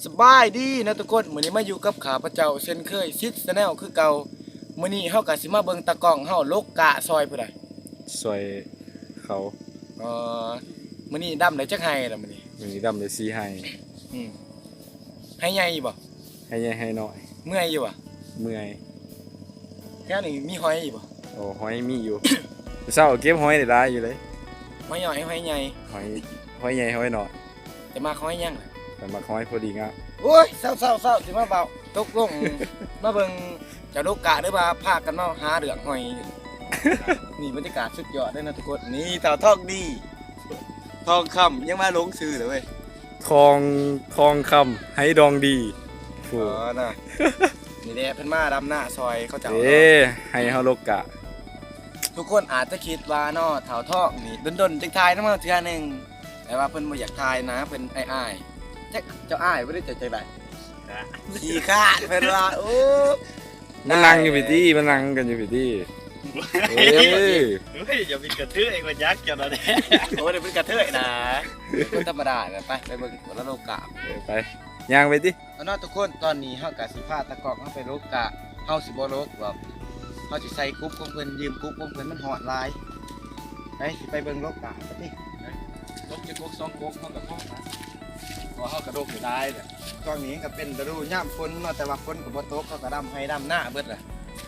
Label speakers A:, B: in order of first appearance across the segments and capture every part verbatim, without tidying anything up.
A: สบายดีนะทุกคนมื้อนี้มาอยู่กับข้าพเจ้าเช่นเคยซิดแนลคือเก่ามื้อนี้เฮาก็สิมาเบิ่งตะกล้องเฮาลกกะซอยผู้ใด
B: ซอยเขา
A: เอ่อมื้อนี้ดำได้จักไห้ล่ะมื้อนี้
B: มีดำเลยซีให้
A: อืมให้ใหญ่บ่
B: ให้ใหญ่ให้น้อย
A: เมื่อยอยู่บ่
B: เมื่อย
A: แค่นี้มีหอยบ่
B: โอ้หอยมีอยู่ เศร้าเก็บหอยได้หลายอยู่เลย
A: หอยน้อยหอยใหญ่
B: หอยหอยใหญ่หอยน้อย
A: แต่มาหอยยังล่ะ
B: แต่มาหอยพอดีงาม
A: โอ้ยเศร้าๆๆสิมาเบาตกลง มาเบิ่งเจ้าลกกะเด้อว่าพากันมาหาเรื่องหอย นี่บรรยากาศสุดยอดเลยนะทุกคนนี่เต่าทองดีทองคำยังมาลงซื้อเลยเว้ย
B: ทองทองคำให้ดองดี
A: อ๋
B: ฟู
A: อน่ะนี่แหละเพิ่นมาดำหน้าซอยเขาเจ้า
B: เอ้ให้เฮาลกกะ
A: ทุกคนอาจจะคิดว่าเนาะเต่าทองนี่ดนๆจังทายน้ำมาเทื่อหนึงแต่ว่าเพิ่นบ่อยากทายนะเพิ่นอ้ายๆจักเจ้าอ้ายบ่ได้จะจังไดขี้ขาดเพิ่นว่าโอ้
B: มันนั่งอยู่พี่ตี้มันนั่งกันอยู่พี่ตี้เอ้ย
C: เฮ้ยอย่ามีกระทือเองมันยักษ์จังเลย
A: โอ้เดี๋ยวเพิ่นกระเทยนะเพิ่นธรรมดาน่ะไปไปเบิ่งหัวละโลกะ
B: ไปย่างไปติ
A: เอาเนาะทุกคนตอนนี้เฮากะสิพาตะกอกเฮาไปโลกะเฮาสิบ่โลกหรอกเฮาสิใส่กรุ๊ปของเพิ่นยืมกรุ๊ปของเพิ่นมันฮอดหลายไปสิไปเบิ่งโลกะกันติ
C: ลบจะกกสองกกมันกับพ่อนะพอเขากระโดดอยู่ได้เนี่ย
A: ตอนนี้ก็เป็นฤดูยามฝนเนาะแต่ว่าฝนก็บ่ตกเขาก็ดำให้ดำหน้าเบิดล่ะ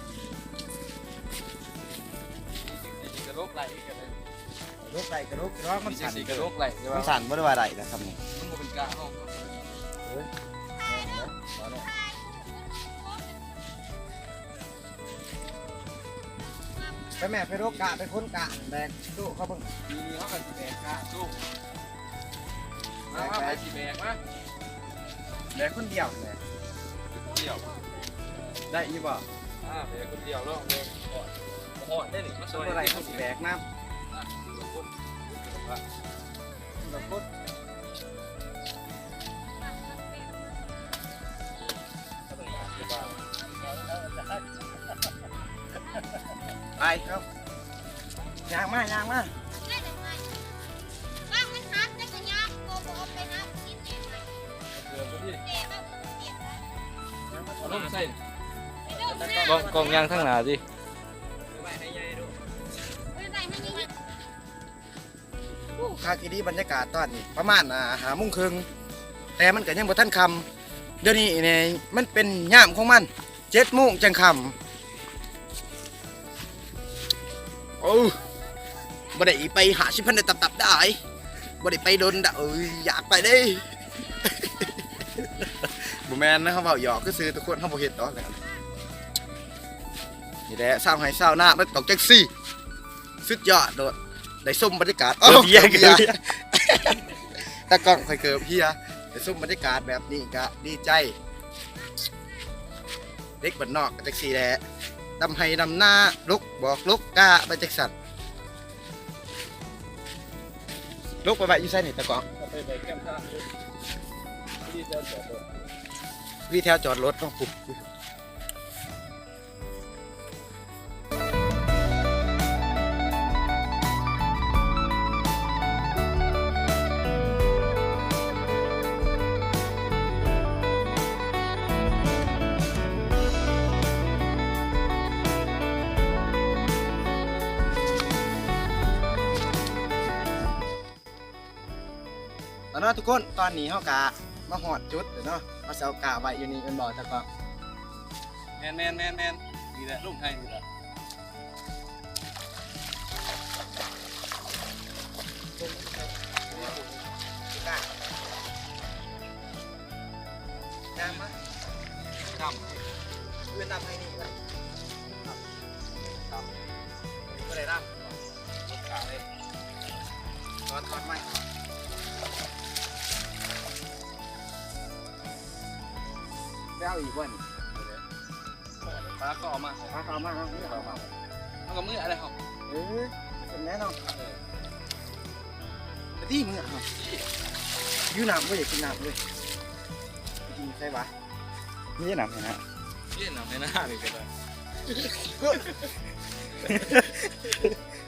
C: กระโดดไหลกันเลย
A: โลกไหลกระโลกร้องมัน
C: มี
A: สั่น
C: สีกระโดดไหลใช่
A: มั
C: ป่ะ
A: นสั่นบ่ได้ว่าได้นะครับนี่
C: มันเป็นกาห้อง
A: ไปแม่ไปโลกะไปค้นกะแบกตู้เขาเบิ่ง
C: มีเขากันสีแดงกาสู้มาไปสีแดงมา
A: แบกคนเดียวแหละ
C: เดี่ยว
A: ได้อีบ่
C: อ่าเป็นคนเดียวแล้วเลยหอดหอดได้หนิมา
A: บ่
C: ซอย
A: ได้เขาสิแบกน้ำดอกพุดไปครับยางมายางมา
D: บ้างมันหักได้ก็ยากโกโบไปนะกินเองไหม
C: เดือดพี่
D: เด็กบ้างเปียกนะ
C: เอาลงใส่
D: ไปเดินห
B: กล้อง
D: น้าก
B: ล้องย่างทั้งหน้าดิ
D: ไปใส่มันยังไง
A: คาคิดีบรรยากาศตอนนี้ประมาณอ่าหาโมุ้งครึ่งแต่มันก็ยังบ่ทันคำเดี๋ยวนี้เนี่ยมันเป็นย่ามของมันเจ็ดโมงจังคำโอ้บ่ได้ไปหาชิพันได้ตับๆได้บ่ได้ไปโดนดะเอ้ยอยากไปเด้ บ่แม่นนะเขาเว้าหยอกคือซื้อทุกคนเขาบ่เฮ็ดดอกกันนี่แหละสร้างให้สร้างหน้ามันตกจังซี่สุดยอดโดดได้ส้มบรรยากาศอ้าวเบียร์เบียร์ตะกล้องค่อยเกิบเฮียได้ส้มบรรยากาศแบบนี้ก็ดีใจเด็กบ้านนอกก็จังซี่แหละดำให้ดำหน้าลุกบอกลุกกะไปจักสั่นลุกไปไปอยู่ไสนี่ตะกล้อง
C: ไปไปแก้มท่าที่จะจอดรถ
A: วิแถวจอดรถต้องปุ๊บแล้วเนาะทุกคนตอนนี้เฮากะมาหอดจุดเนาะมาเสากะไว้อยู่นี่เป็นบ่อตะกล้อง
C: แมนแมนแมนแมนนี่แหละลูกไทยนี่แหละ
A: น้ำมา
C: ท
A: เวียนน้ำให้นี่นะ
C: ำทำ
A: ก็ได้น้
C: ลูกกาเลย
A: ำถอดถอดไม่ได้เอาอีกวัน
C: ปลาก็ออกมา
A: พาเขามาเอาเขามา
C: มันก็มืออะไรครับ
A: เออเป็นแน่นอนแต่ที่มึงอ่ะยูน้ำไม่ได้กินน้ำเลยกินใช่ปะ
B: นี่หนักนะ
C: เยี่ยนหนังในหน้าเลยก็ได้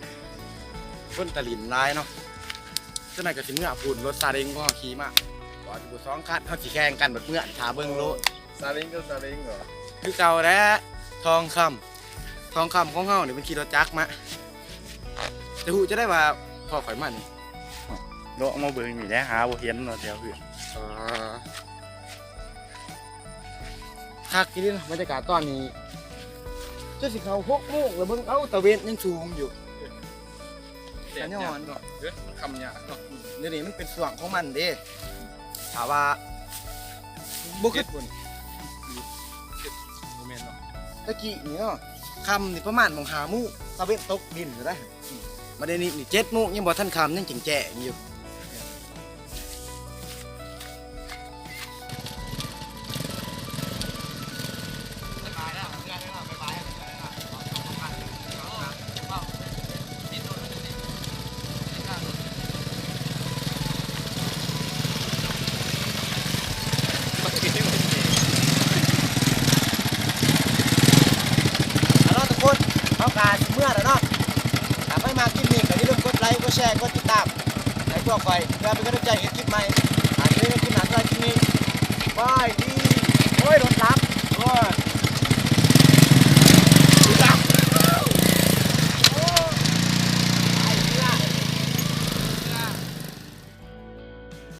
A: ต้นตะลินร้ายเนาะเจ้านายก็สิเมื่อพูดรถซาเล้งก็ขี่มาว่าจอยู่สองคันเขาสิแข่งกันแบบเมื่อนถาเบิ่งโลด
C: ซาเล้งก็ซาเล้งเหรอ
A: คือเก่าแล้วทองคำทองคำของเฮานี่มันขี่รถจักรมาจะหูจะได้ว่าพ่อข่อยมานี่
E: โลกมาเบิ่งนี่แหละหาบ่เห็นเนาะแถวเพื่อน
A: อ่าคักกินดิบรรยากาศตอนนี้เจ้าสิเขาหกโมงแล้วเบิ่งเอ้าตะเวนยังสูงอยู่
C: แดด
A: ย้
C: ยา
A: อก น
C: เนาะเฮ้ยมันคำยากเนาะ
A: เดี๋ยวนี้มันเป็นส่วงของมันเด้ถามว่าบุคือ
C: โมเมนต์เนาะ
A: ตะกี้นี่เนาะคำนี่ประมาณมองหาหมูตะเวนตกดินอยู่ได้มาเดี๋ยวนี้นี่เจ็ดโมงยังบ่ทันคำยังแจ๋ๆอยู่เอาเนาะทุกคนเอาการเมื่อแล้วเนาะถ้าไม่มาคลิปนี้ก็อย่าลืมกดไลค์กดแชร์กดติดตามให้พวกข่อยเพื่อเป็นกำลังใจให้คลิปใหม่